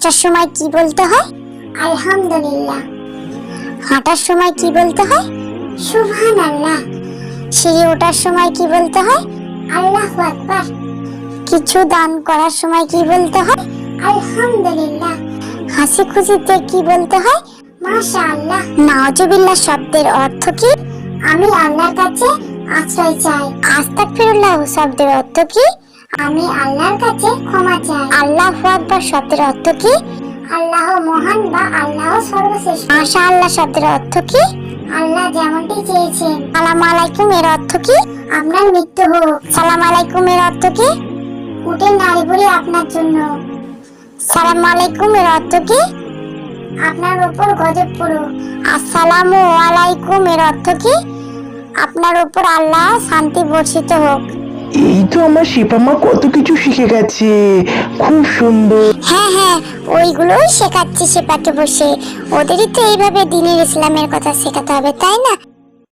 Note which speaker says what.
Speaker 1: বসার সময় কি বলতে হয়?
Speaker 2: আলহামদুলিল্লাহ।
Speaker 1: হাঁটার সময় কি বলতে হয়?
Speaker 2: সুবহানাল্লাহ।
Speaker 1: সিঁড়ি ওঠার সময় কি বলতে হয়?
Speaker 2: আল্লাহু আকবার।
Speaker 1: কিছু দান করার সময় কি বলতে হয়?
Speaker 2: আলহামদুলিল্লাহ।
Speaker 1: হাসি খুশিতে কি বলতে হয়?
Speaker 2: মাশাআল্লাহ।
Speaker 1: নাউজুবিল্লাহ শব্দের অর্থ কি?
Speaker 2: আমি আল্লাহর কাছে আশ্রয় চাই।
Speaker 1: আস্তাগফিরুল্লাহ শব্দের অর্থ কি?
Speaker 2: আমি আল্লাহর কাছে ক্ষমা চাই।
Speaker 1: আল্লাহু আকবার শব্দের অর্থ কি?
Speaker 2: আল্লাহ মহান বা আল্লাহ সর্বশ্রেষ্ঠ।
Speaker 1: মাশাআল্লাহ শব্দের অর্থ কি?
Speaker 2: আল্লাহ যেমনটি চেয়েছেন।
Speaker 1: সালাম আলাইকুম এর অর্থ কি?
Speaker 2: আপনার মৃত্যু হোক।
Speaker 1: সালাম আলাইকুম এর অর্থ কি?
Speaker 2: উটের নাড়িভুঁড়ি আপনার জন্য।
Speaker 1: সালাম আলাইকুম এর অর্থ কি?
Speaker 2: আপনার উপর গজব পড়ুক।
Speaker 1: আসসালামু আলাইকুম এর অর্থ কি? আপনার উপর আল্লাহ শান্তি বর্ষিত হোক।
Speaker 3: এই তো আমার শিপামা কত কিছু শিখে গেছে, খুব সুন্দর।
Speaker 1: হ্যাঁ হ্যাঁ, ওইগুলোই শেখাচ্ছি সেপাকে বসে। ওদেরই তো এইভাবে দ্বীনের ইসলামের কথা শেখাতে হবে, তাই না?